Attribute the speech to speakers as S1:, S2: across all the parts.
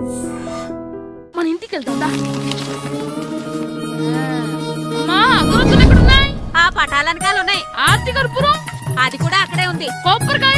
S1: మన ఇంటికి వెళ్తుందా? అగరొత్తులు ఎక్కడున్నాయి?
S2: ఆ పటాలనకాలు ఉన్నాయి.
S1: ఆర్తి కర్పూరం
S2: అది కూడా అక్కడే ఉంది.
S1: కొబ్బరికాయ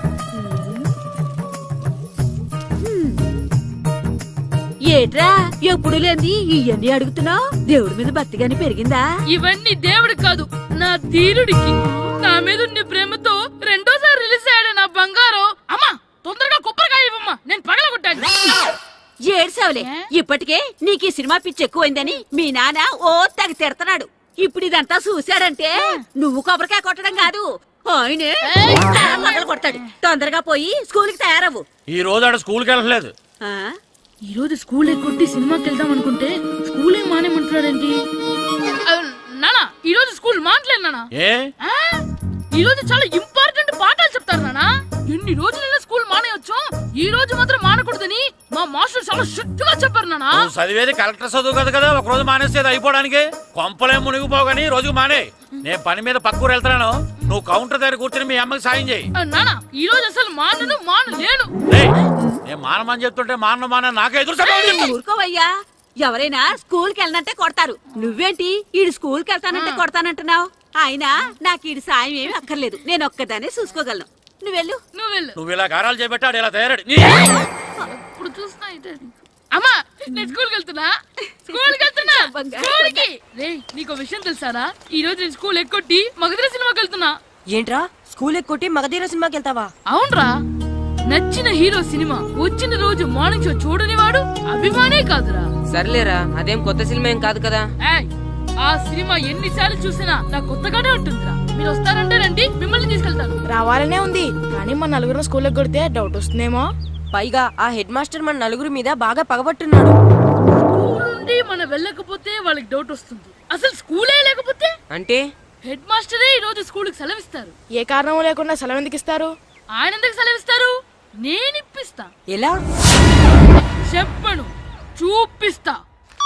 S2: ఏట్రా ఎప్పుడు లేంది ఇవన్నీ అడుగుతున్నావు? దేవుడి మీద భక్తి గాని పెరిగిందా?
S1: ఇవన్నీ దేవుడికి కాదు, నా ధీరుడికి. నా మీద ఉండే ప్రేమతో రెండోసారి రిలీజ్ అయ్యాడు నా బంగారం. అమ్మా తొందరగా కొబ్బరికాయ ఇవ్వమ్మా, నేను పగలగొట్టాను.
S2: ఏడ్సావులే, ఇప్పటికే నీకు ఈ సినిమా పిచ్చి ఎక్కువైందని మీ నాన్న ఓ తెగ తిడతాడు. ఇప్పుడు ఇదంతా చూశాడంటే నువ్వు కొబ్బరికాయ కొట్టడం కాదు, ఆయనే పగలు కొడతాడు. తొందరగా పోయి స్కూల్ కి తయారవు.
S3: ఈ రోజు ఆడ స్కూల్కి వెళ్ళలేదు.
S1: ఈ రోజు స్కూల్ ఎక్కొట్టి సినిమాకి వెళ్దాం అనుకుంటే స్కూల్ ఏం మానేమంటున్నాడండి? నానా ఈ రోజు స్కూల్ మానట్లేదు నానా. ఈ రోజు చాలా ఇంపార్టెంట్ పాఠాలు చెప్తారు నానా. ఎన్ని రోజులైనా స్కూల్ మానేయొచ్చు, ఈ రోజు మాత్రం మానకూడదని మా మాస్టర్ చాలా స్ట్రిక్ట్ గా చెప్పారు నానా.
S3: చదివేది కలెక్టర్ చదువు కదా కదా, ఒక రోజు మానేసేది అయిపోవడానికి. కొంపలే మునిగిపోగాని రోజుకు మానే. నేను పని మీద పక్కూరు వెళ్తాను, నువ్వు కౌంటర్ దగ్గర కూర్చొని మీ అమ్మకి సాయం చేయి.
S1: నానా ఈ రోజు అసలు మానలేను.
S3: నేను మానమని చెప్తుంటే మాన నాకే ఎదురు.
S2: ఊరుకోవయ్యా, ఎవరైనా స్కూల్ కి వెళ్ళనంటే కొడతారు. నువ్వేంటి ఈడు స్కూల్ కి వెళ్తానంటే కొడతానంటున్నావు? అయినా నాకు ఈడు సాయం ఏమి అక్కర్లేదు, నేను ఒక్కదానే చూసుకోగలను. నువ్వెళ్ళు.
S3: నువ్వు ఇలా గారాలు చేపెట్టాడు ఇలా తయారాడు.
S1: ఇప్పుడు చూస్తా అమ్మా, నేను స్కూల్కి వెళ్తున్నా. నీకు విషయం తెలుసారా? ఈ రోజు నేను స్కూల్ ఎక్కొట్టి మగధీర సినిమాకి వెళ్తున్నా.
S4: ఏంట్రా స్కూల్ ఎక్కొట్టి మగధీర సినిమాకి వెళ్తావా?
S1: అవునరా, నచ్చిన హీరో సినిమా వచ్చిన రోజు మార్నింగ్ షో చూడని వాడు అభిమానే కాదురా.
S4: సర్లేరా, అదేం కొత్త సినిమా ఏం కాదు కదా.
S1: ఆ సినిమా ఎన్నిసార్లు చూసినా నాకు కొత్తగానే ఉంటుందిరా. మీరు వస్తారంటే రండి, మిమ్మల్ని తీసుకెళ్తాను.
S5: రావాలనే ఉంది, కానీ మన నలుగురు స్కూల్ కొడితే డౌట్ వస్తుందేమో.
S4: పైగా ఆ హెడ్ మాస్టర్ మన నలుగురి మీద బాగా పగబట్టున్నాడు.
S1: స్కూల్ నుండి మనం వెళ్ళకపోతే వాళ్ళకి డౌట్ వస్తుంది. అసలు స్కూలే లేకపోతే
S4: అంటే
S1: హెడ్ మాస్టరే ఈ రోజు స్కూల్ కి సెలవిస్తారు.
S5: ఏ కారణం లేకుండా సెలవు ఎందుకు ఇస్తారు?
S1: ఆయన ఎందుకు సెలవిస్తారు? నేను ఇప్పిస్తా.
S4: ఎలా
S1: చెప్పను, చూపిస్తా.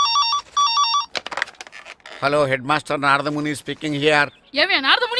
S3: Hello, head master Naradamuni speaking here.
S1: ఏమే నారదముని?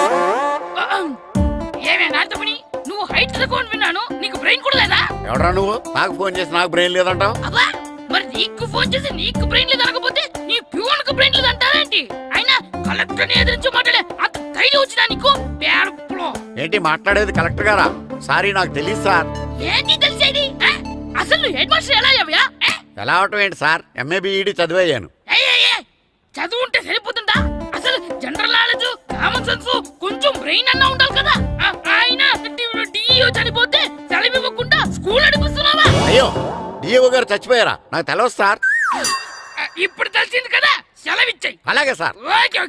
S1: నువ్వు హైట్ తక్కువ విన్నాను, నీకు బ్రెయిన్ కూడా లేదా?
S3: ఎవడా నువ్వు? నాకు ఫోన్ చేసి నాకు బ్రెయిన్ లేదంటావు?
S1: మరి నీకు ఫోన్ చేసి నీకు బ్రెయిన్ లేదు అనకపోతే నీ ప్యూన్ కు బ్రెయిన్ లేదు అంటారేంటి? అయినా కలెక్టర్ ని ఎదిరించి మాట్లాడే అంత ధైర్యం వచ్చినా నీకు?
S3: ఏంటి మాట్లాడేది కలెక్టర్ గారా? సారీ, నాకు తెలియదు సార్.
S1: ఏంటి తెలిసేది? అసలు నువ్వు హెడ్ మాస్టర్ ఎలా అయ్యావా?
S3: ఎలా అవటం ఏంటి సార్, ఎంఏ బిఈడి చదివయ్యాను.
S1: చదువు ఉంటే సరిపోతుందా? అసలు జనరల్ నాలెడ్జ్, కామన్ సెన్స్, కొంచెం బ్రెయిన్ అన్నా ఉండాలి కదా. ఆయన డిఇఓ చనిపోతే సెలవు ఇవ్వకుండా స్కూల్ నడిపిస్తున్నావా?
S3: అయ్యో, డిఇఓ గారు చచ్చిపోయారా? నాకు తెలియదు సార్.
S1: ఇప్పుడు తెలిసింది కదా, సెలవు ఇచ్చాయి.
S3: అలాగే సార్.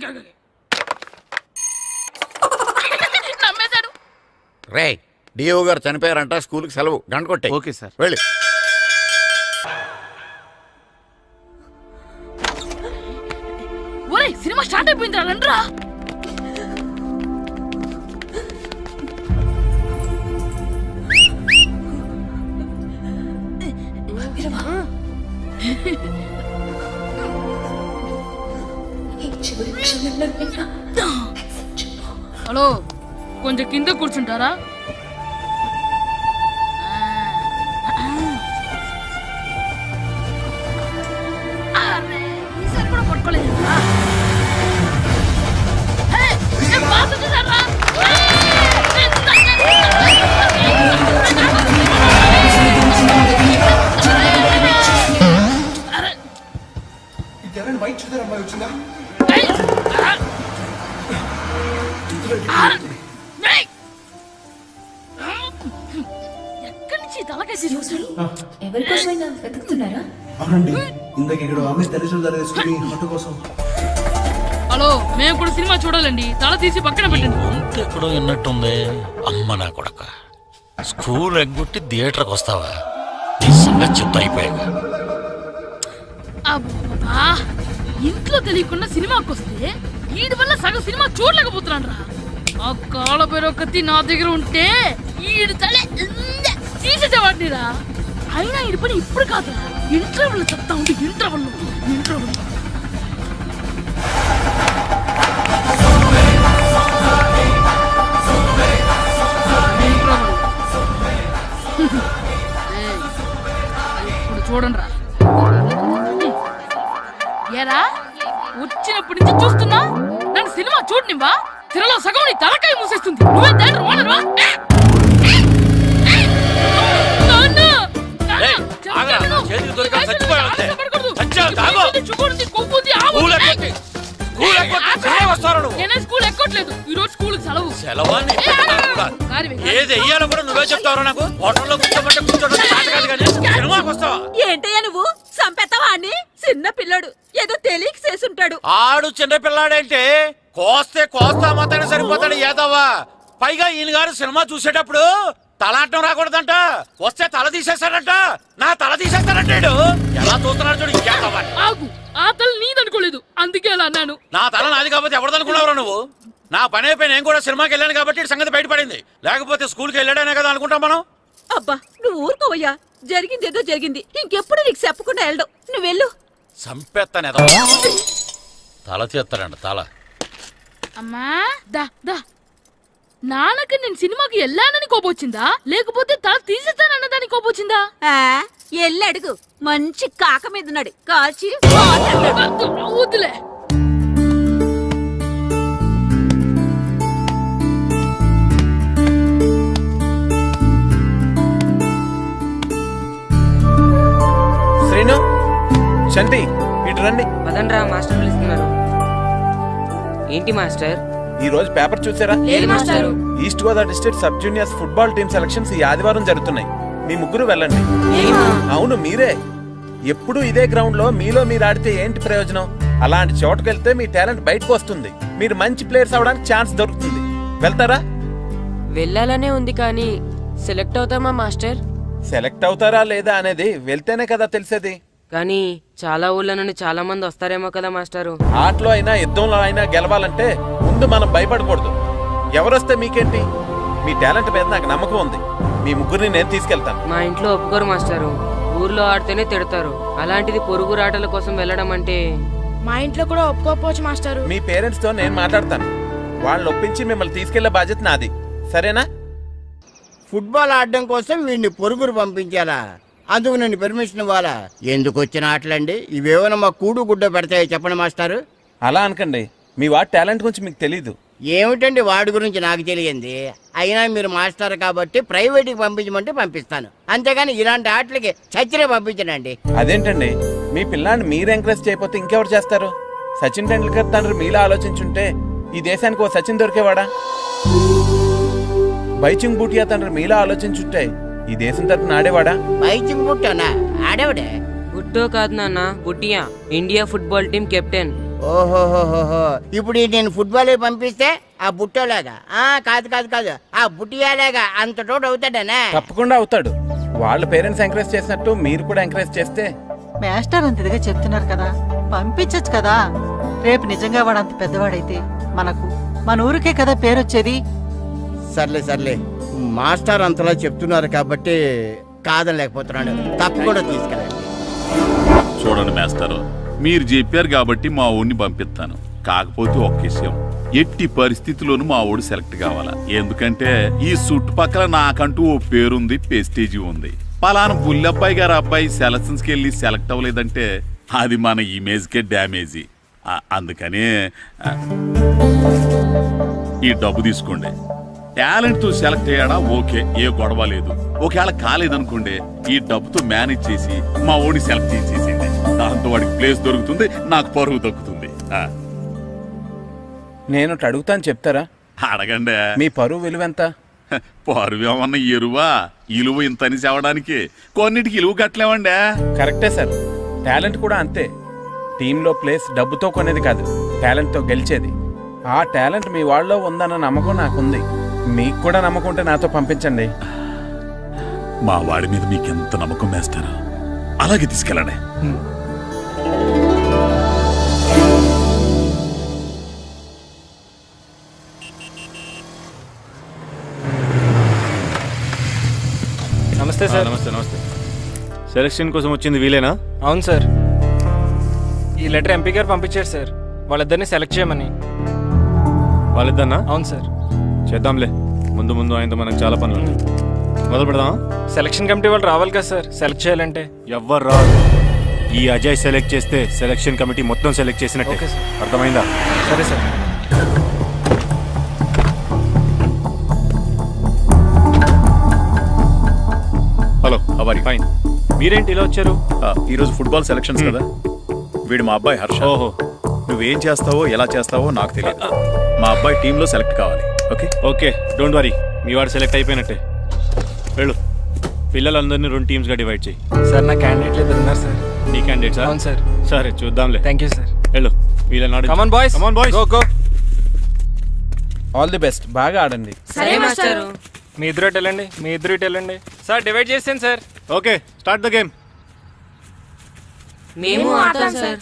S1: నమ్మేశాడు.
S3: రే, డిఇఓ గారు చనిపోయారంట, స్కూల్కి సెలవు, గంట కొట్టే.
S6: Okay sir.
S3: వెళ్ళి.
S1: ఒరేయ్, సినిమా స్టార్ట్ అయిపోయింది రండ్రా. హలో, కొంచెం కింద కూర్చుంటారా? ఈసారి కూడా పట్టుకోలేదు.
S7: వైట్ చూద్దరు అమ్మాయి వచ్చిందా?
S1: ఎక్కడి నుంచి తలకేసి చూస్తాడు?
S8: ఎవరికోసమైనా వెతుకుతున్నారా?
S7: అవునండి, ఇందాక ఇక్కడ అమ్మాయి తల్లిదండ్రులు తీసుకుని ఆటో కోసం.
S1: హలో, మేము కూడా సినిమా చూడాలండి, తల తీసి పక్కన పెట్టండి.
S3: ఎక్కడో విన్నట్టుంది. అమ్మ నా కొడక, స్కూల్ ఎగ్గొట్టి థియేటర్కి వస్తావా? నీ సంగతి చెప్తా అయిపోయాక.
S1: అబ్బా, ఇంట్లో తెలియకుండా సినిమాకి వస్తే వీడి వల్ల సగం సినిమా చూడలేకపోతున్నాను రా. ఆ కాళ్ళ పేరొకటి నా దగ్గర ఉంటే ఈడు తలే తీసేసేవాడిని రా. అయినా ఈడి పని ఇప్పుడు కాదురా, ఇంటర్వెల్ చెప్తా ఉంటే ఇంటర్వెల్ ఇప్పుడు చూడండి రా. ఏరా వచ్చినప్పటి నుంచి చూస్తున్నా నన్ను సినిమా చూడనివ్వా. తిరలో సగం నీ తలకాయ మూసేస్తుంది. నువ్వే థియేటర్ ఓనర్వా? నాన్న!
S3: ఏయ్, ఆగరా, నా చేతికి దొరికా చచ్చిపోయావు అంతే. చచ్చావు, తాగు. స్కూల్ ఎక్కొట్టి సినిమా వస్తారా నువ్వు?
S1: నేనే స్కూల్ ఎక్కట్లేదు. ఈ రోజు స్కూల్ సెలవు.
S3: సెలవా నీ పెట్టడానికి కూడా. ఏది వెయ్యాలో కూడా నువ్వే చెప్తావరా నాకు? హోటల్లో కూర్చోమంటే కూర్చోడం చేత కాదు కానీ సినిమాకి వస్తావా?
S2: ఏంటయ్యా నువ్వు చంపేస్తావా అని? చిన్న పిల్లడు ఏదో తెలియక చేసుంటాడు.
S3: ఆడు చిన్న పిల్లాడేంటి? కోస్తే కోస్తా మాత్రమే సరిపోతాడు ఏదవ్వా. పైగా ఈయన గారు సినిమా చూసేటప్పుడు తలాటం రాకూడదంట. వస్తే తల తీసేస్తాడంట. నా తల తీసేస్తాడంటాడు. ఎలా చూస్తున్నాడు చూడు ఇంకేదవ్వా.
S1: ఆగు, ఆ తల నీదనుకోలేదు, అందుకే అలా అన్నాను.
S3: నా తల నాది కాబట్టి ఎవరిదనుకున్నావురా నువ్వు? నా పని అయిపోయి నేను కూడా సినిమాకి వెళ్ళాను కాబట్టి ఈ సంగతి బయటపడింది. లేకపోతే స్కూల్కి వెళ్ళాడనే కదా అనుకుంటాం మనం.
S2: అబ్బా నువ్వు ఊరుకోవయ్యా. జరిగిందేదో జరిగింది. ఇంకెప్పుడు నీకు చెప్పకుండా వెళ్ళడు. నువ్వు వెళ్ళు.
S3: సంపెత్తాను ఏదో తల తీస్తాడంట తల.
S1: అమ్మా దా దా. నాన్నకి నేను సినిమాకి వెళ్ళానని కోపొచ్చిందా, లేకపోతే తల తీసేస్తానన్నదాని కోపొచ్చిందా?
S2: ఎల్లు అడుగు. మంచి కాక మీద ఉన్నాడు. కాల్చి
S1: వద్దులే.
S6: శ్రీను, శంటి, ఇటు రండి.
S4: పదండ్రా, మాస్టర్ పిలుస్తున్నారు. ఏంటి మాస్టర్?
S6: ఈ రోజు పేపర్ చూసారా?
S4: లేదు మాస్టారు.
S6: East Godavari district sub juniors football team selections ఈ ఆదివారం జరుగుతున్నాయి. మీ ముగ్గురు వెళ్ళండి. అవును మీరే. ఎప్పుడు ఇదే గ్రౌండ్ లో మీలో మీరు ఆడితే ఏంటి ప్రయోజనం? అలాంటి చోటుకు వెళ్తే మీ టాలెంట్ బయటకు వస్తుంది. మీరు మంచి ప్లేయర్స్ అవడానికి ఛాన్స్ దొరుకుతుంది. వెళ్తారా?
S4: వెళ్ళాలనే ఉంది కానీ సెలెక్ట్ అవుతామా మాస్టర్?
S6: సెలెక్ట్ అవుతారా లేదా అనేది వెళ్తేనే కదా తెలిసేది.
S4: కానీ చాలా ఊళ్ళ నుండి చాలా మంది వస్తారేమో కదా మాస్టారు.
S6: ఆటలో అయినా యుద్ధంలో అయినా గెలవాలంటే ముందు మనం భయపడకూడదు. ఎవరొస్తే మీకేంటి? మీ టాలెంట్ మీద నాకు నమ్మకం ఉంది. మీ ముగ్గురిని నేను తీసుకెళ్తాను.
S4: మా ఇంట్లో ఒప్పుకోరు మాస్టారు. ఊర్లో ఆడితేనే తిడతారు. అలాంటిది పొరుగు ఆటల కోసం వెళ్ళడం అంటే.
S5: మా ఇంట్లో కూడా ఒప్పుకోకపోవచ్చు మాస్టారు.
S6: మీ పేరెంట్స్ తో నేను మాట్లాడతాను. వాళ్ళని ఒప్పించి మిమ్మల్ని తీసుకెళ్లే బాధ్యత నాది. సరేనా?
S9: ఫుట్బాల్ ఆడడం కోసం వీడిని పొరుగురు పంపించాలా? అందుకు నేను పర్మిషన్ ఇవ్వాలా? ఎందుకు వచ్చిన ఆటలండి ఇవేమైనా మా కూడు గుడ్డ పెడతాయో చెప్పండి మాస్టారు.
S6: అలా అనకండి. మీ వాడి టాలెంట్ గురించి మీకు తెలీదు.
S9: ఏమిటండి వాడి గురించి నాకు తెలియంది? అయినా మీరు మాస్టర్ కాబట్టి ప్రైవేట్కి పంపించమంటే పంపిస్తాను. అంతేగాని ఇలాంటి ఆటలకి చచ్చినే పంపించనండి.
S6: అదేంటండి, మీ పిల్లాన్ని మీరు ఎంకరేజ్ చేయకపోతే ఇంకెవరు చేస్తారు? సచిన్ టెండూల్కర్ తండ్రి మీలా ఆలోచించుంటే ఈ దేశానికి ఓ సచిన్ దొరికేవాడా? బైచింగ్ బూటియా తండ్రి మీలా ఆలోచించుంటే ఈ దేశం తరపున ఆడేవాడా?
S9: బైచింగ్ బుట్టనా? ఆడేవిడే
S4: బుట్టో కాదు నాన్న, బుట్టియా, ఇండియా ఫుట్బాల్ టీం కెప్టెన్.
S9: ఓహోహోహో. ఇప్పుడు నేను ఫుట్బాల్ పంపిస్తే ఆ బుట్టోలాగా కాదు కాదు కాదు ఆ బుట్టియాలాగా అంత తోడు అవుతాడనా?
S6: తప్పకుండా అవుతాడు. వాళ్ళ పేరెంట్స్ ఎంకరేజ్ చేసినట్టు మీరు కూడా ఎంకరేజ్ చేస్తే.
S10: మాస్టర్ అంత ఇదిగా చెప్తున్నారు కదా, పంపించచ్చు కదా. రేపు నిజంగా వాడు అంత పెద్దవాడైతే మన ఊరికే కదా పేరు వచ్చేది.
S9: సర్లే సర్లే, మాస్టర్ అంతలా చెప్తున్నారు కాబట్టి కాదనలేకపోతున్నాడు. తప్పకుండా తీసుకెళ్ళండి.
S11: చూడండి మాస్టర్, మీరు చెప్పారు కాబట్టి మా ఊడిని పంపిస్తాను. కాకపోతే ఒక్క విషయం, ఎట్టి పరిస్థితుల్లోనూ మా ఊడు సెలెక్ట్ కావాలా. ఎందుకంటే ఈ చుట్టుపక్కల నాకంటూ ఓ పేరుంది, పెస్టేజీ ఉంది. పలానా బుల్లబ్బాయి గారు అబ్బాయి సెలక్షన్స్కి వెళ్ళి సెలెక్ట్ అవ్వలేదంటే అది మన ఇమేజ్కే డ్యామేజీ. అందుకనే ఈ డబ్బు తీసుకోండి. టాలెంట్ తో సెలెక్ట్ అయ్యాడా ఓకే, ఏ గొడవ లేదు. ఒకవేళ కాలేదనుకోండి, ఈ డబ్బుతో మేనేజ్ చేసి మా ఓడి సెలెక్ట్ చేసేసింది. దాంతో వాడికి ప్లేస్ దొరుకుతుంది, నాకు పరువు దక్కుతుంది.
S6: నేను అడుగుతాను, చెప్తారా?
S11: అడగండి.
S6: మీ పరువు విలువ ఎంత?
S11: పరువు ఏమన్నా ఎరువా? ఇలువ ఇంతని చెప్పడానికి కొన్నిటికి ఇలువ కట్టలేమండి.
S6: కరెక్టే సార్. టాలెంట్ కూడా అంతే. టీంలో ప్లేస్ డబ్బుతో కొనేది కాదు, టాలెంట్తో గెలిచేది. ఆ టాలెంట్ మీ వాళ్ళలో ఉందన్న నమ్మకం నాకుంది. మీకు కూడా నమ్మకం ఉంటే నాతో పంపించండి.
S11: మా వాడి మీద మీకెంత నమ్మకం వేస్తారా? అలాగే తీసుకెళ్ళండి.
S12: నమస్తే సార్.
S3: నమస్తే నమస్తే.
S12: సెలక్షన్ కోసం వచ్చింది వీలేనా? అవును సార్. ఈ లెటర్ ఎంపీ గారు పంపించారు సార్, వాళ్ళిద్దరిని సెలెక్ట్ చేయమని. వాళ్ళిద్దరినా? అవును సార్. చేద్దాంలే, ముందు ముందు ఆయనతో మనకు చాలా పనులు ఉన్నాయి. మొదలు పెడదాం. సెలక్షన్ కమిటీ వాళ్ళు రావాలి కదా సార్ సెలెక్ట్ చేయాలంటే.
S13: ఎవ్వరు రాదు. ఈ అజయ్ సెలెక్ట్ చేస్తే సెలక్షన్ కమిటీ మొత్తం సెలెక్ట్ చేసినట్టే.
S12: Okay sir.
S13: అర్థమైందా?
S12: సరే సార్.
S13: హలో అవరి.
S12: ఫైన్.
S13: మీరేంటి ఇలా వచ్చారు? ఈరోజు ఫుట్బాల్ సెలక్షన్స్ కదా. వీడు మా అబ్బాయి హర్ష.
S12: ఓహో.
S13: నువ్వేం చేస్తావో ఎలా చేస్తావో నాకు తెలియదు. మా అబ్బాయి టీంలో సెలెక్ట్ కావాలి. ఓకే
S12: ఓకే డోంట్ వరీ, మీ వాడు సెలెక్ట్ అయిపోయినట్టే. వెళ్ళు. పిల్లలందరినీ 2 టీమ్స్గా డివైడ్ చేయి.
S9: సార్ నా క్యాండిడేట్లు ఇద్దరు ఉన్నారు సార్.
S12: నీ క్యాండిడేట్స్?
S9: అవును సార్.
S12: సరే చూద్దాంలే.
S9: Thank you sir.
S12: వెళ్ళు. వీళ్ళని
S9: come on boys,
S12: come on boys.
S9: Go go.
S6: All the best, బాగా ఆడండి.
S4: సరే మాస్టారు.
S12: మీ ఇద్దరు ఇటు వెళ్ళండి, మీ ఇద్దరు ఇటు వెళ్ళండి. సార్ డివైడ్ చేసాను sir.
S13: Okay start the game.
S4: మేము ఆడతాం సార్.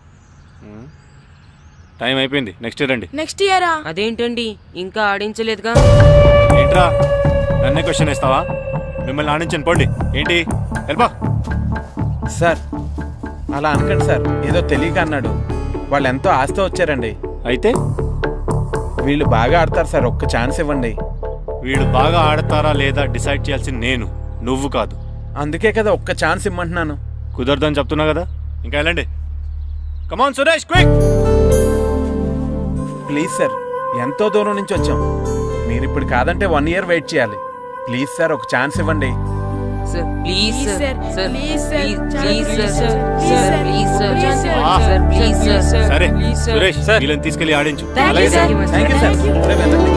S12: టైం అయిపోయింది, నెక్స్ట్ రండి.
S5: నెక్స్ట్ ఇయరా?
S4: అదేంటండి ఇంకా ఆడించలేదుగా?
S13: ఏంట్రా నన్నే క్వశ్చన్ ఇస్తావా? మిమ్మల్ని ఆడించండి పోండి. ఏంటి వెళ్ళిపో.
S6: సార్ అలా అనకండి సార్, ఏదో తెలియక అన్నాడు. వాళ్ళు ఎంతో ఆస్తి వచ్చారండి.
S12: అయితే
S6: వీళ్ళు బాగా ఆడతారు సార్, ఒక్క ఛాన్స్ ఇవ్వండి.
S13: వీడు బాగా ఆడతారా లేదా డిసైడ్ చేయాల్సింది నేను, నువ్వు కాదు.
S6: అందుకే కదా ఒక్క ఛాన్స్ ఇమ్మంటున్నాను.
S12: కుదరదని చెప్తున్నా కదా.
S13: ఇంకా వెళ్ళండి. Come on Suresh quick.
S6: Please sir, ఎంతో దూరం నుంచి వచ్చాం. మీరు ఇప్పుడు కాదంటే 1 year వెయిట్ చేయాలి. ప్లీజ్ సార్ ఒక ఛాన్స్ ఇవ్వండి.
S4: Sir please sir. Sir
S5: please sir.
S4: Please sir. Sir please sir.
S5: Please
S4: sir please sir.
S13: సరే
S4: ప్లీజ్ సార్.
S13: సురేష్ వీళ్ళని తీసుకెళ్ళి ఆడించు.
S4: Thank you sir.
S6: Thank you sir. ఇప్పుడే వెళ్ళండి.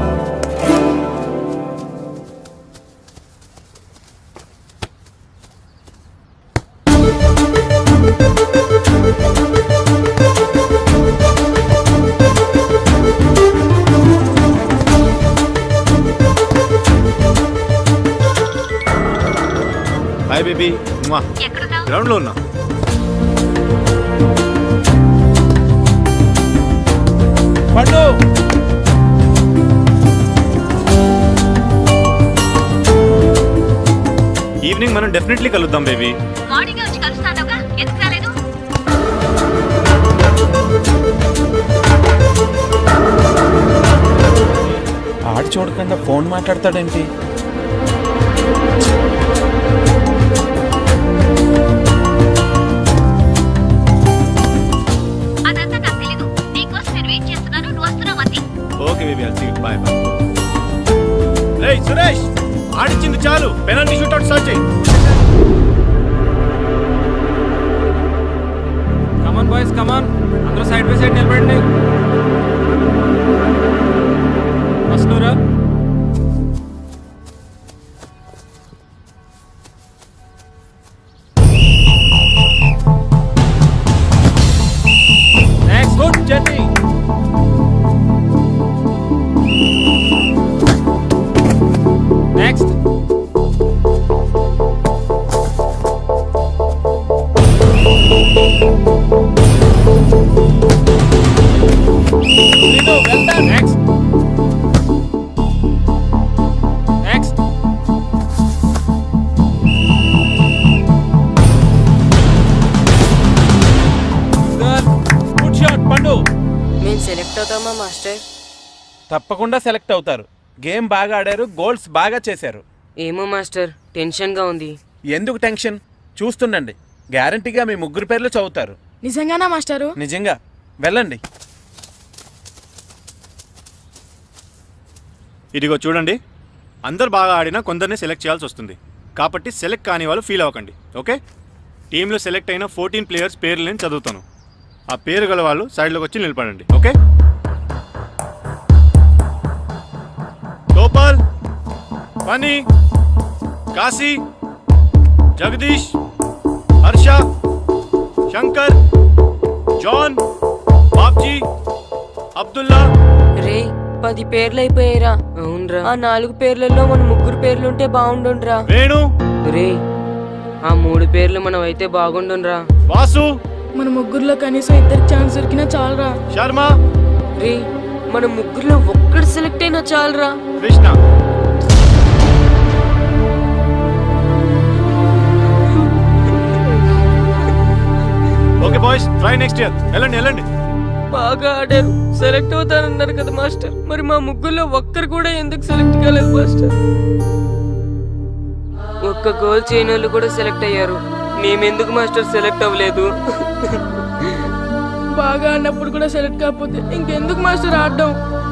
S13: Hi baby. గ్రౌండ్ లో ఉన్నా.
S6: పండు
S13: ఈవినింగ్ మనం డెఫినెట్లీ కలుద్దాం బేబీ.
S6: ఆడు చూడకుండా ఫోన్ మాట్లాడతాడేంటి?
S13: Okay baby I'll see you. Bye bye. రేయ్ సురేష్ ఆడించింది చాలు, పెనాల్టీ షూట్అవుట్ స్టార్ట్ చేయి.
S12: కమాన్ బాయ్స్ కమాన్, అందరూ సైడ్ బై సైడ్ నిలబడండి. వస్తున్నారా? Next good journey. Next. Well done. Next. Next.
S6: Good shot Pandu.
S4: మేము సెలెక్ట్ అవుతామా మాస్టర్?
S6: తప్పకుండా సెలెక్ట్ అవుతారు. గేమ్ బాగా ఆడారు, గోల్స్ బాగా చేశారు.
S4: ఏమో మాస్టర్, టెన్షన్గా ఉంది.
S6: ఎందుకు టెన్షన్? చూస్తుండండి, గ్యారంటీగా మీ 3 పేర్లు చదువుతారు.
S5: నిజంగానా మాస్టారు?
S6: నిజంగా. వెళ్ళండి.
S13: ఇదిగో చూడండి, అందరు బాగా ఆడినా కొందరిని సెలెక్ట్ చేయాల్సి వస్తుంది. కాబట్టి సెలెక్ట్ కాని వాళ్ళు ఫీల్ అవ్వకండి. ఓకే, టీంలో సెలెక్ట్ అయిన 14 ప్లేయర్స్ పేర్లు నేను చదువుతాను. ఆ పేరు గల వాళ్ళు సైడ్లోకి వచ్చి నిలబడండి. Okay, Gopal, Phani, Kashi, Jagadish, Harsha, Shankar, John, Babji, Abdullah.
S4: రే 10 పేర్లు అయిపోయారా? అవునరా. ఆ 4 పేర్లలో మన 3 పేర్లుంటే బాగుండుండ్రా.
S13: వేణు.
S4: రే ఆ 3 పేర్లు మనం అయితే బాగుండుండ్రా.
S13: వాసు.
S5: మన 3లో కనీసం 2 ఛాన్స్ దొరికినా చాలరా.
S13: శర్మ.
S4: రే మన 3లో ఒక్కడు సెలెక్ట్ అయినా చాలరా.
S13: Krishna. Okay boys, try next year. వెళ్ళండి వెళ్ళండి.
S4: బాగా ఆడారు, సెలెక్ట్ అవుతారన్నారు కదా మాస్టర్. మరి మా 3లో ఒక్కరు కూడా ఎందుకు సెలెక్ట్ కాలేదు మాస్టర్? ఒక్క గోల్ చేయని వాళ్ళు కూడా సెలెక్ట్ అయ్యారు. మేమెందుకు మాస్టర్ సెలెక్ట్ అవ్వలేదు?
S5: బాగా ఆడినప్పుడు కూడా సెలెక్ట్ కాకపోతే ఇంకెందుకు మాస్టర్ ఆడడం?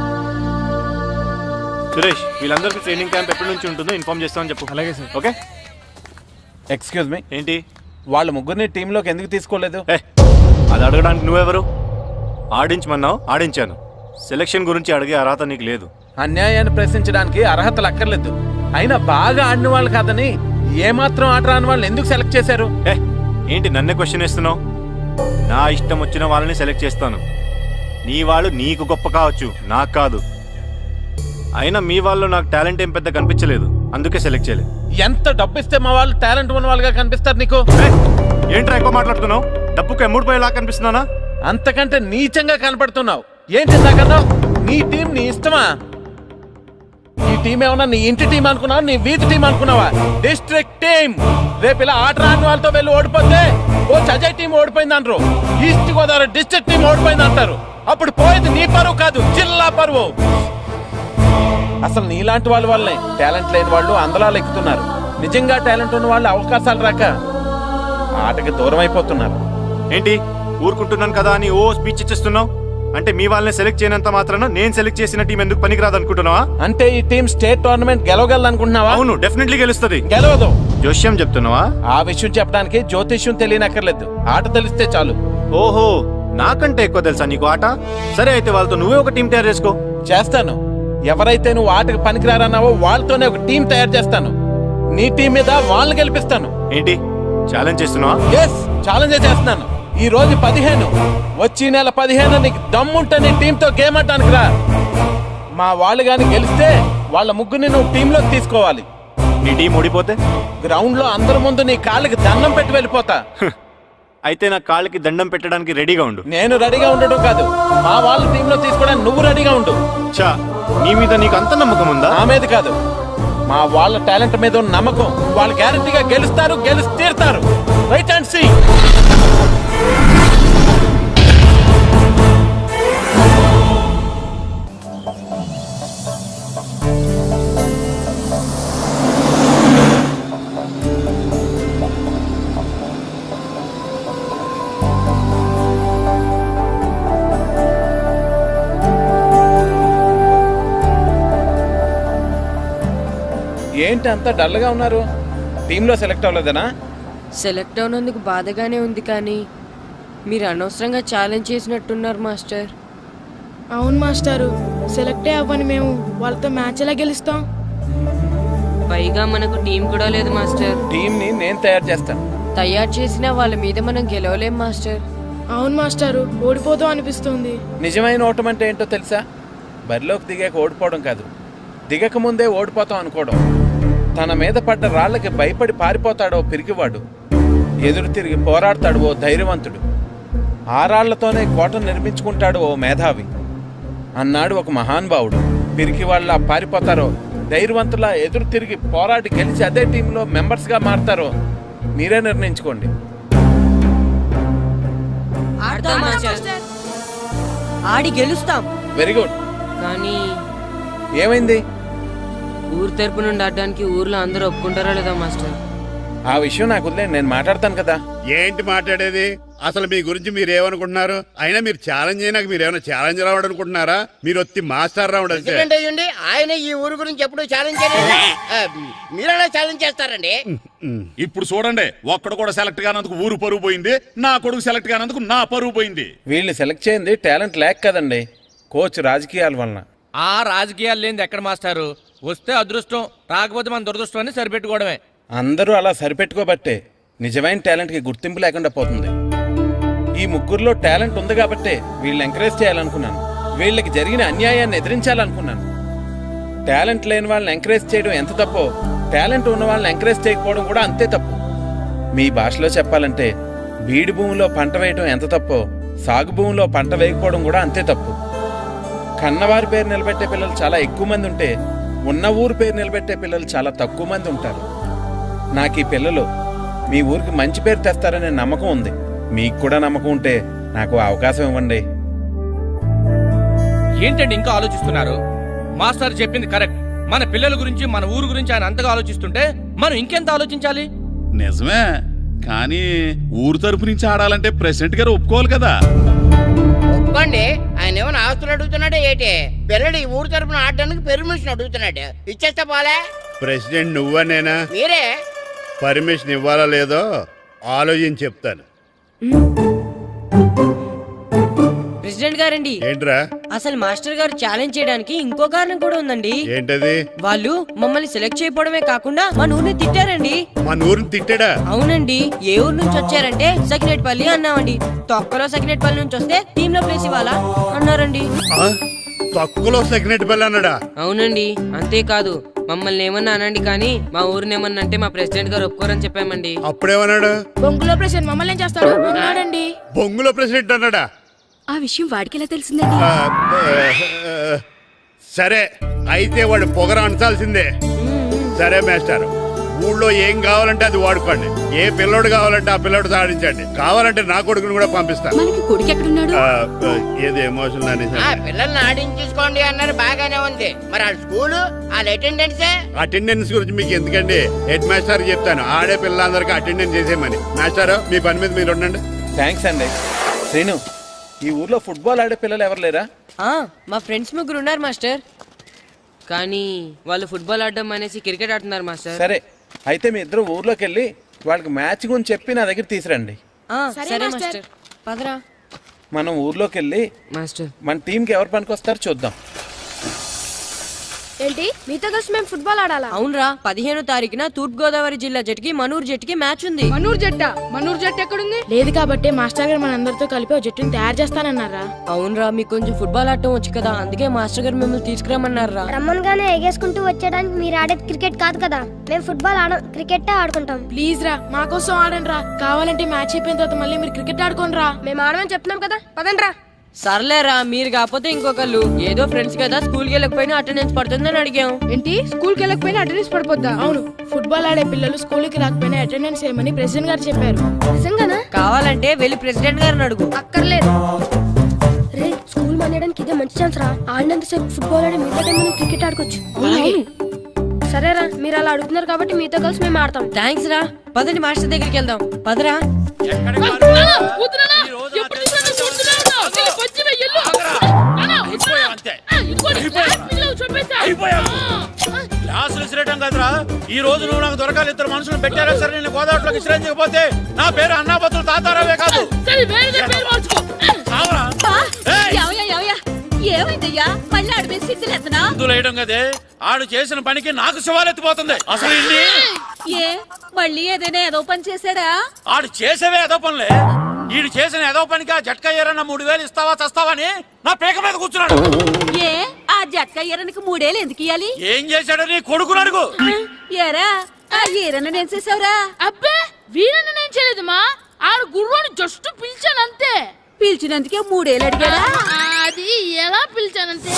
S13: సురేష్, వీళ్ళందరికీ ట్రైనింగ్ క్యాంప్ ఎప్పటి నుంచి ఉంటుందో ఇన్ఫార్మ్ చేస్తామని చెప్పు.
S12: అలాగే సార్.
S13: ఓకే.
S6: ఎక్స్క్యూజ్ మీ,
S13: ఏంటి?
S6: వాళ్ళ ముగ్గురిని టీంలోకి ఎందుకు తీసుకోలేదు?
S13: అది అడగడానికి నువ్వెవరు? ఆడించమన్నావు, ఆడించాను. సెలక్షన్ గురించి అడిగే అర్హత నీకు లేదు.
S6: అన్యాయాన్ని ప్రశ్నించడానికి అర్హతలు అక్కర్లేదు. అయినా బాగా ఆడిన వాళ్ళు కాదని ఏమాత్రం ఆట రాని వాళ్ళని ఎందుకు సెలెక్ట్ చేశారు?
S13: ఏంటి నన్నే క్వశ్చన్ వేస్తున్నావు? నా ఇష్టం వచ్చిన వాళ్ళని సెలెక్ట్ చేస్తాను. నీ వాళ్ళు నీకు గొప్ప కావచ్చు, నాకు కాదు. అయినా మీ వాళ్ళు నాకు టాలెంట్ ఏం పెద్ద కనిపించలేదు, అందుకే సెలెక్ట్ చేయలేదు.
S6: ఎంత డబ్బు ఇస్తే మా వాళ్ళు టాలెంట్ ఉన్న వాళ్ళుగా కనిపిస్తారు నీకు?
S13: ఏంట్రా ఎక్కువ మాట్లాడుతున్నావు? డబ్బుకు ఎమ్ముడిపోయేలా కనిపిస్తున్నానా?
S6: అంతకంటే నీచంగా కనపడుతున్నావు. ఏంటి ఇందాకన్నావు? నీ టీం నీ ఇష్టమా? ఈ టీం ఏమన్నా నీ ఇంటి టీం అనుకున్నావా, నీ వీధి టీం అనుకున్నావా? District team. రేపు ఇలా ఆట రాని వాళ్ళతో వెళ్ళి ఓడిపోతే ఓ అజయ్ టీం ఓడిపోయింది అంటారు, ఈస్ట్ గోదావరి డిస్ట్రిక్ట్ టీం ఓడిపోయింది అంటారు. అప్పుడు పోయేది నీ పరువు కాదు, జిల్లా పరువు. అసలు నీలాంటి వాళ్ళ వల్లే టాలెంట్ లేని వాళ్ళు అందలాలు ఎక్కుతున్నారు. నిజంగా టాలెంట్ ఉన్న వాళ్ళు అవకాశాలు రాక ఆటకి దూరం అయిపోతున్నారు.
S13: ఏంటి ఊరుకుంటున్నాను కదా అని ఓ స్పీచ్ ఇచ్చేస్తున్నావు? అంటే మీ వాళ్ళని సెలెక్ట్ చేయనంత మాత్రాన నేను సెలెక్ట్ చేసిన టీం ఎందుకు పనికిరాదు అనుకుంటున్నావా?
S6: అంటే ఈ టీం స్టేట్ టోర్నమెంట్ గెలవగలదు అనుకుంటున్నావా?
S13: అవును, డెఫినెట్లీ గెలుస్తుంది.
S6: గెలవదు.
S13: జోష్యం చెప్తున్నావా?
S6: ఆ విషయం చెప్పడానికి జ్యోతిష్యం తెలియనక్కర్లేదు, ఆట తెలిస్తే చాలు.
S13: ఓహో, నాకంటే ఎక్కువ తెలుసా నీకు ఆట? సరే అయితే వాళ్ళతో నువ్వే ఒక టీం తయారు చేసుకో.
S6: చేస్తాను. ఎవరైతే నువ్వు ఆటకు పనికిరారన్నావో వాళ్ళతోనే ఒక టీం తయారు చేస్తాను. నీ టీం మీద వాళ్ళని గెలిపిస్తాను.
S13: ఏంటి ఛాలెంజ్ చేస్తున్నావా?
S6: ఎస్, ఛాలెంజ్ చేస్తున్నాను. ఈ రోజు 15, వచ్చే నెల 15 నీకు దమ్ముంటే నీ టీంతో గేమ్ ఆడటానికి రా. మా వాళ్ళు గాని గెలిస్తే వాళ్ళ ముగ్గురిని నువ్వు టీంలోకి తీసుకోవాలి.
S13: నీ టీం ఓడిపోతే
S6: గ్రౌండ్ లో అందరి ముందు నీ కాళ్ళకి దండం పెట్టి వెళ్ళిపోతా.
S13: అయితే నా కాళ్ళకి దండం పెట్టడానికి రెడీగా ఉండు.
S6: నేను రెడీగా ఉండడం కాదు, మా వాళ్ళ టీంలో తీసుకోవడానికి నువ్వు రెడీగా ఉండు.
S13: చా, నీ మీద నీకు అంత నమ్మకం ఉందా?
S6: నా మీద కాదు, మా వాళ్ళ టాలెంట్ మీద ఉన్న నమ్మకం. వాళ్ళు గ్యారంటీగా గెలుస్తారు, గెలిచి తీరుతారు. Right and see. ఏంటి అంత డల్గా ఉన్నారు? టీంలో సెలెక్ట్ అవ్వలేదనా?
S4: సెలెక్ట్ అవునందుకు బాధగానే ఉంది, కానీ మీరు అనవసరంగా ఛాలెంజ్ చేసినట్టున్నారు మాస్టర్.
S5: అవును మాస్టారు, సెలెక్టే అవ్వని మేము వాళ్ళతో మ్యాచ్ ఎలా గెలుస్తాం?
S4: పైగా మనకు టీం కూడా లేదు మాస్టర్.
S6: టీంని నేను తయారు చేస్తాను.
S4: తయారు చేసిన వాళ్ళ మీద మనం గెలవలేం మాస్టర్.
S5: అవును మాస్టారు, ఓడిపోతాం అనిపిస్తుంది.
S6: నిజమైన ఓటం అంటే ఏంటో తెలుసా? బరిలోకి దిగాక ఓడిపోవడం కాదు, దిగక ముందే ఓడిపోతాం అనుకోవడం. తన మీద పడ్డ రాళ్లకి భయపడి పారిపోతాడో పిరికివాడు, ఎదురు తిరిగి పోరాడతాడు ఓ ధైర్యవంతుడు, ఆ రాళ్లతోనే కోటను నిర్మించుకుంటాడు ఓ మేధావి అన్నాడు ఒక మహానుభావుడు. పిరికి వాళ్ళ పారిపోతారో ధైర్యవంతులా ఎదురు తిరిగి పోరాడి గెలిచి అదే టీంలో మెంబర్స్గా మారతారో మీరే నిర్ణయించుకోండి.
S2: ఆడి గెలుస్తాం.
S6: Very good.
S4: కానీ
S6: ఏమైంది?
S4: ఊరు తరపు నుండి ఆడడానికి ఊర్లో అందరూ ఒప్పుకుంటారా లేదా మాస్టర్?
S6: ఆ విషయం నాకు వదిలేండి, నేను మాట్లాడతాను కదా.
S11: ఏంటి మాట్లాడేది? అసలు మీ గురించి మీరు ఏమనుకుంటున్నారు? అయినా మీరు ఛాలెంజ్ అయినాక మీరు ఏమైనా ఛాలెంజ్ రావడం అనుకుంటున్నారా? మీరు వచ్చి మాస్టర్ రావడం అంతే.
S9: ఆయన ఈ ఊరు గురించి ఎప్పుడు ఛాలెంజ్ చేయలేదు. మీరైనా ఛాలెంజ్ చేస్తారండి.
S11: ఇప్పుడు చూడండి, ఒక్కడు కూడా సెలెక్ట్ కానందుకు ఊరు పరువు పోయింది, నా కొడుకు సెలెక్ట్ కానందుకు నా పరువు పోయింది.
S6: వీళ్ళని సెలెక్ట్ చేయింది టాలెంట్ లేక కదండి, కోచ్ రాజకీయాల వలన.
S12: ఆ రాజకీయాలు లేనిది ఎక్కడ మాస్టారు? వస్తే అదృష్టం, రాకపోతే మన దురదృష్టాన్ని సరిపెట్టుకోవడమే.
S6: అందరూ అలా సరిపెట్టుకోబట్టే నిజమైన టాలెంట్కి గుర్తింపు లేకుండా పోతుంది. ఈ ముగ్గురులో టాలెంట్ ఉంది కాబట్టే వీళ్ళని ఎంకరేజ్ చేయాలనుకున్నాను, వీళ్ళకి జరిగిన అన్యాయాన్ని ఎదిరించాలనుకున్నాను. టాలెంట్ లేని వాళ్ళని ఎంకరేజ్ చేయడం ఎంత తప్పో, టాలెంట్ ఉన్న వాళ్ళని ఎంకరేజ్ చేయకపోవడం కూడా అంతే తప్పు. మీ భాషలో చెప్పాలంటే బీడు భూమిలో పంట వేయడం ఎంత తప్పో, సాగు భూమిలో పంట వేయకపోవడం కూడా అంతే తప్పు. కన్నవారి పేరు నిలబెట్టే పిల్లలు చాలా ఎక్కువ మంది ఉంటే, ఉన్న ఊరు పేరు నిలబెట్టే పిల్లలు చాలా తక్కువ మంది ఉంటారు. నాకు ఈ పిల్లలు మీ ఊరికి మంచి పేరు తెస్తారనే నమ్మకం ఉంది. మీకు కూడా నమ్మకం ఉంటే నాకు అవకాశం ఇవ్వండి.
S12: ఏంటండి ఇంకా ఆలోచిస్తున్నారు? మాస్టర్ చెప్పింది కరెక్ట్. మన పిల్లల గురించి మన ఊరు గురించి ఆయన అంతగా ఆలోచిస్తుంటే మనం ఇంకెంత ఆలోచించాలి?
S11: నిజమే, కానీ ఊరు తరపు నుంచి ఆడాలంటే ప్రెసిడెంట్ గారు ఒప్పుకోవాలి కదా.
S9: ఒప్పుకోండి. ఆయన ఏమైనా ఆస్తులు అడుగుతున్నాడే ఏటి? పిల్లడు ఈ ఊరు తరపున ఆడడానికి పెర్మిషన్ అడుగుతున్నాడు. ఇచ్చేస్తే పోలే.
S13: ప్రెసిడెంట్ నువ్వా నేనా?
S9: మీరే.
S13: పర్మిషన్ ఇవ్వాలా లేదో ఆలోచించి చెప్తాను.
S4: ప్రెసిడెంట్ గారండి,
S13: ఏంట్రా?
S4: అసలు మాస్టర్ గారు ఛాలెంజ్ చేయడానికి ఇంకో కారణం కూడా ఉందండి.
S13: ఏంటది?
S4: వాళ్ళు మమ్మల్ని సెలెక్ట్ చేయకపోవడమే కాకుండా మా ఊరిని తిట్టారండి.
S13: మన ఊరిని తిట్టాడా?
S4: అవునండి. ఏ ఊరు నుంచి వచ్చారంటే సకినేట్పల్లి అన్నామండి. తొక్కలో సకినేట్పల్లి నుంచి వస్తే టీమ్ లో ప్లేస్ ఇవ్వాలా అన్నారండి.
S13: తక్కువలో సెకండ్ బెల్ అన్నాడా?
S4: అవునండి. అంతేకాదు మమ్మల్ని ఏమన్నా అనండి కానీ మా ఊరిని ఏమన్నా అంటే మా ప్రెసిడెంట్ గారు ఒప్పుకోరని చెప్పామండి.
S13: అప్పుడేమన్నాడు?
S5: బొంగులో ప్రెసిడెంట్ మమ్మల్ని ఏం చేస్తాడు అన్నాడండి.
S13: బొంగులో ప్రెసిడెంట్ అన్నాడా?
S2: ఆ విషయం వాడికి ఎలా తెలిసిందండి?
S13: సరే, అయితే వాడు పొగర అంచాల్సిందే. సరే మాస్టర్, ఊళ్ళో ఏం కావాలంటే అది వాడుకోండి. ఏ పిల్లోడు కావాలంటే ఆ పిల్లోడు సాధించండి. కావాలంటే నా కొడుకుని కూడా పంపిస్తాను.
S2: మనకి కొడుకు ఎక్కడున్నాడు?
S13: ఏది ఎమోషనల్ అనేసి
S9: పిల్లల్ని ఆడించేసుకోండి అన్నారు, బాగానే ఉంది. మరి ఆ స్కూలు వాళ్ళ
S13: అటెండెన్స్ గురించి మీకు ఎందుకండి? హెడ్ మాస్టర్ చెప్తాను, ఆడే పిల్లలందరికీ అటెండెన్స్ చేసేయమని. మాస్టర్, మీ పని మీద మీరు ఉండండి.
S6: థ్యాంక్స్ అండి. శ్రీను, ఈ ఊర్లో ఫుట్బాల్ ఆడే పిల్లలు ఎవరు లేరా?
S4: మా ఫ్రెండ్స్ ముగ్గురు ఉన్నారు మాస్టర్, కానీ వాళ్ళు ఫుట్బాల్ ఆడడం అనేసి క్రికెట్ ఆడుతున్నారు మాస్టర్.
S6: సరే, అయితే మీ ఇద్దరు ఊర్లోకి వెళ్ళి వాళ్ళకి మ్యాచ్ గురించి చెప్పి నా దగ్గర తీసురండి.
S4: సరే మాస్టర్, పదరా.
S6: మనం ఊర్లోకి వెళ్ళి
S4: మాస్టర్
S6: మన టీంకి ఎవరు పనికొస్తారో చూద్దాం.
S5: ఏంటి మీతో కలిసి మేము ఫుట్బాల్ ఆడాలా?
S4: అవునరా, 15వ తారీఖున తూర్పు గోదావరి జిల్లా జట్టుకి మనూరు జట్టుకి మ్యాచ్ ఉంది.
S1: మనూరు జట్టు ఎక్కడుంది?
S5: లేదు కాబట్టి మాస్టర్ గారు మనందరితో కలిపి ఒక జట్టుని తయారు చేస్తానన్నారా?
S4: అవునరా, మీకు కొంచెం ఫుట్బాల్ ఆడటం వచ్చు కదా, అందుకే మాస్టర్ గారు మిమ్మల్ని తీసుకురామన్నారా.
S8: రమ్మన్గానే ఎగేసుకుంటూ వచ్చేయడానికి మీరు ఆడేది క్రికెట్ కాదు కదా. మేము ఫుట్బాల్ క్రికెట్ ఆడుకుంటాం.
S5: ప్లీజ్ రా, మా కోసం ఆడండి రా. కావాలంటే మ్యాచ్ అయిపోయిన తర్వాత మళ్ళీ మీరు క్రికెట్ ఆడుకోండి రా.
S8: మేము ఆడమని చెప్తున్నాం కదా, పదండి రా.
S4: సర్లేరా, మీరు కాకపోతే ఇంకొకళ్ళు. ఏదో ఫ్రెండ్స్ కదా, స్కూల్కి వెళ్ళకపోయినా అటెండెన్స్ పడుతుందని అడిగాం.
S1: ఏంటి స్కూల్కి వెళ్ళకపోయినా అటెండెన్స్ పడిపోద్దా?
S5: అవును, ఫుట్బాల్ ఆడే పిల్లలు స్కూల్కి రాకపోయినా అటెండెన్స్ చేయమని ప్రెసిడెంట్ గారు చెప్పారు.
S8: నిజంగానా?
S4: కావాలంటే వెళ్ళి ప్రెసిడెంట్ గారిని అడుగు.
S8: అక్కర్లేదు. రే, స్కూల్ మానేయడానికి ఇదే మంచి ఛాన్స్ రా. ఆడినంతసేపు ఫుట్బాల్ ఆడి మిగతా టైం మనం క్రికెట్ ఆడుకోవచ్చు. సరేరా, మీరు అలా అడుగుతున్నారు కాబట్టి మీతో కలిసి మేము ఆడతాం.
S4: థ్యాంక్స్ రా. పదండి మాస్టర్ దగ్గరికి వెళ్దాం. పదరా.
S3: క్లాసులు విసిరేయటం కదరా, ఈ రోజు నువ్వు నాకు దొరకాలి. ఇద్దరు మనుషులు పెట్టారా సరే, నేను గోదావరిలోకి విసిరించకపోతే నా పేరు అన్నాపత్రులు తాతారావే కాదు.
S2: ఏమైందయ్యా? మళ్ళీ ఆడి మీద సిద్ధులు ఎత్తనా?
S3: ఇందులో వేయడం కదే, ఆడు చేసిన పనికి నాకు శివాలెత్తిపోతుంది. అసలు
S2: ఏ మళ్ళీ ఏదైనా ఏదో పని చేశాడా?
S3: ఆడు చేసేవే ఏదో పనులే. ఈడు చేసిన ఏదో పనికి ఆ జట్కా ఏరన్నా 3000 ఇస్తావా చస్తావని నా పేక మీద కూర్చున్నాడు.
S2: ఏ ఆ జట్కా ఈరనికి 3000 ఎందుకు ఇయ్యాలి?
S3: ఏం చేశాడో నీ కొడుకుని అడుగు.
S2: ఏరా, ఆ ఈరన్న నేను చేసావురా?
S1: అబ్బే, వీరన్న నేను చేయలేదు మా. ఆడు గుర్రాన్ని జస్ట్ పిలిచానంతే.
S2: పిలిచినందుకే 3000 అడిగాడా?
S1: అది ఎలా పిలిచానంతే.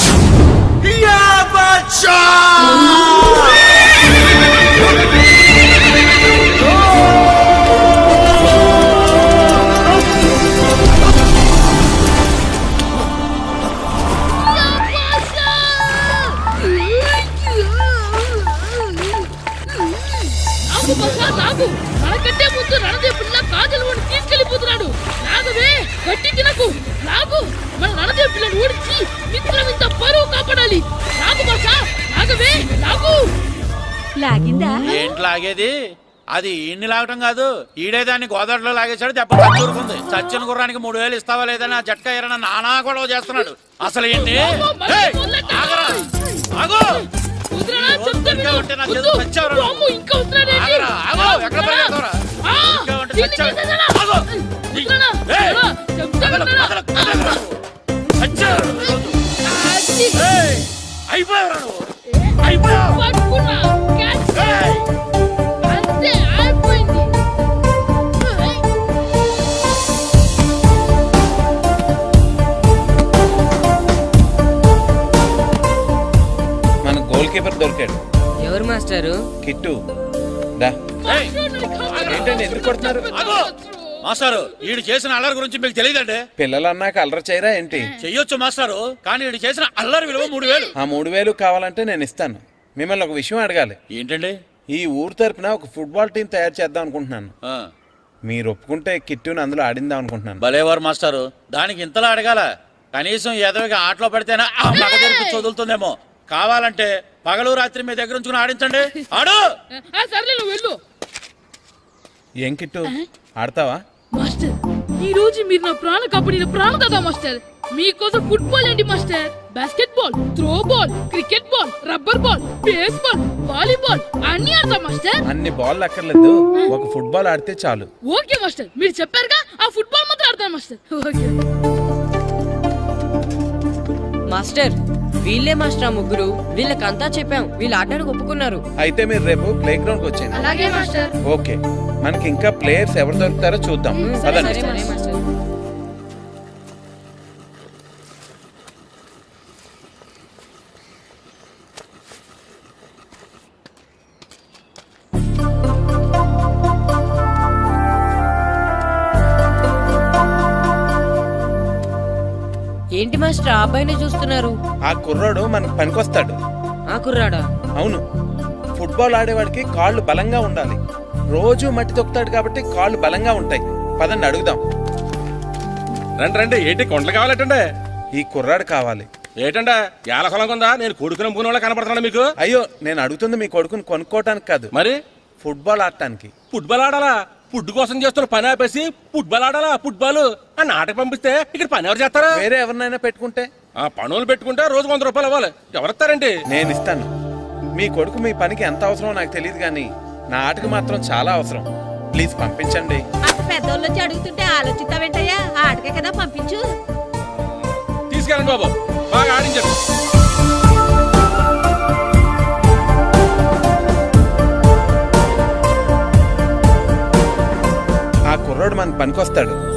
S1: మనకంటే ముందు రణదేవ్ పిల్ల కాజల్ ఓడి తీసుకెళ్లిపోతున్నాడు. నాగవే, గట్టి తినకు. నాగు, మన రణదేవ్ పిల్లని ఓడించి మిత్రం ఇంత పరువు కాపాడాలి. నాగు బాసా, నాగవే, నాగు.
S2: లాగిందా?
S3: ఏంటి లాగేది? అది ఈయన్ని లాగటం కాదు, ఈడే దాన్ని గోదావరిలో లాగేశాడు. దెబ్బ చచ్చూరుకుంది. చచ్చిన గుర్రానికి 3000 ఇస్తావా లేదని ఆ జట్కా ఏరన్నా నానా గొడవ చేస్తున్నాడు. అసలు ఏంటి?
S6: మన గోల్ కీపర్ దొరికాడు.
S4: ఎవరు మాస్టారు?
S6: కిట్టు. ఏంటండి ఎందుకు కొడుతున్నారు?
S3: మాస్టారు, ఈడు చేసిన అల్లరి గురించి మీకు తెలియదండి.
S6: పిల్లలు అన్నాక అల్లరి చేయరా ఏంటి?
S3: చెయ్యొచ్చు మాస్టారు, కానీ ఈడు చేసిన అల్లరి విలువ 3000.
S6: ఆ 3000 కావాలంటే నేను ఇస్తాను. మిమ్మల్ని ఒక విషయం అడగాలి.
S3: ఏంటండి?
S6: ఈ ఊరు తరపున ఒక ఫుట్బాల్ టీం తయారు చేద్దాం అనుకుంటున్నాను.
S3: ఆ,
S6: మీరు ఒప్పుకుంటే కిట్టుని అందులో ఆడిందాం అనుకుంటున్నాను.
S3: భలేవారు మాస్టారు, దానికి ఇంతలా అడగాల? కనీసం ఏదోగా ఆటలో పడితేనా ఆ మగ తెరిపి చదువుతుందేమో. కావాలంటే పగలు రాత్రి మీ దగ్గర ఉంచుకుని ఆడించండి. ఆడు.
S1: సర్లే నువ్వు వెళ్ళు.
S6: ఏం కిట్టు, ఆడతావా?
S1: మాస్టర్, ఈ రోజు మీరు నా ప్రాణ కబడ్డీ ప్రాణం కదా మాస్టర్. మీకోసం ఫుట్బాల్ ఏంటి master, basketball, throw ball, cricket ball, rubber ball, baseball, volleyball అన్ని ఆడతా మాస్టర్.
S6: అన్ని బాల్ అక్కర్లేదు, ఒక ఫుట్బాల్ ఆడితే చాలు.
S1: ఓకే మాస్టర్, మీరు చెప్పారుగా, ఆ ఫుట్బాల్ మాత్రం ఆడతాను మాస్టర్. ఓకే
S4: మాస్టర్, వీళ్ళే మాస్టర్ ఆ ముగ్గురు. వీళ్ళకంతా చెప్పాం, వీళ్ళు ఆడడానికి ఒప్పుకున్నారు.
S6: అయితే మీరు రేపు ప్లే గ్రౌండ్ కి వచ్చేయండి.
S8: అలాగే మాస్టర్.
S6: ఓకే, మనకి ఇంకా ప్లేయర్స్ ఎవరు దొరుకుతారో చూద్దాం.
S4: సరే
S6: పదండి.
S4: మాస్టర్. ఏంటి మాస్టర్ ఆ అబ్బాయినే చూస్తున్నారు?
S6: ఆ కుర్రాడు మనకు పనికొస్తాడు.
S4: ఆ కుర్రాడా?
S6: అవును, ఫుట్బాల్ ఆడేవాడికి కాళ్ళు బలంగా ఉండాలి. రోజు మట్టి తొక్కుతాడు కాబట్టి కాళ్ళు బలంగా ఉంటాయి. పదండి అడుగుదాం.
S12: రండి రండి, ఏంటి కొండలు కావాలటండి?
S6: ఈ కుర్రాడు కావాలి.
S12: ఏంటంటే ఎలా కొలం కొందా? నేను కొడుకుని అమ్ముకునే వాళ్ళ కనపడుతున్నాను మీకు.
S6: అయ్యో, నేను అడుగుతుంది మీ కొడుకుని కొనుక్కోవటానికి కాదు,
S12: మరి
S6: ఫుట్బాల్ ఆడటానికి.
S12: ఫుట్బాల్ ఆడాలా? ఫుడ్ కోసం చేస్తున్న పని ఆపేసి ఫుట్బాల్ ఆడాలా? ఫుట్బాల్ ఆ నాటకు పంపిస్తే ఇక్కడ పని ఎవరు చేస్తారా?
S6: వేరే ఎవరినైనా పెట్టుకుంటే.
S12: ఆ పనులు పెట్టుకుంటే రోజు 100 రూపాయలు అవ్వాలి. ఎవరిస్తారండి?
S6: నేను ఇస్తాను. మీ కొడుకు మీ పనికి ఎంత అవసరమో నాకు తెలియదు, కానీ నా ఆటకు మాత్రం చాలా అవసరం. ప్లీజ్ పంపించండి.
S2: అంత పెద్దోళ్ళు వచ్చి అడుగుతుంటే ఆలోచిస్తావేంటయ్యా? ఆటకే కదా, పంపించు.
S12: తీసుకెళ్ళండి బాబు, బాగా ఆడించండి.
S6: ఆ కుర్రాడు మనకు పనికొస్తాడు.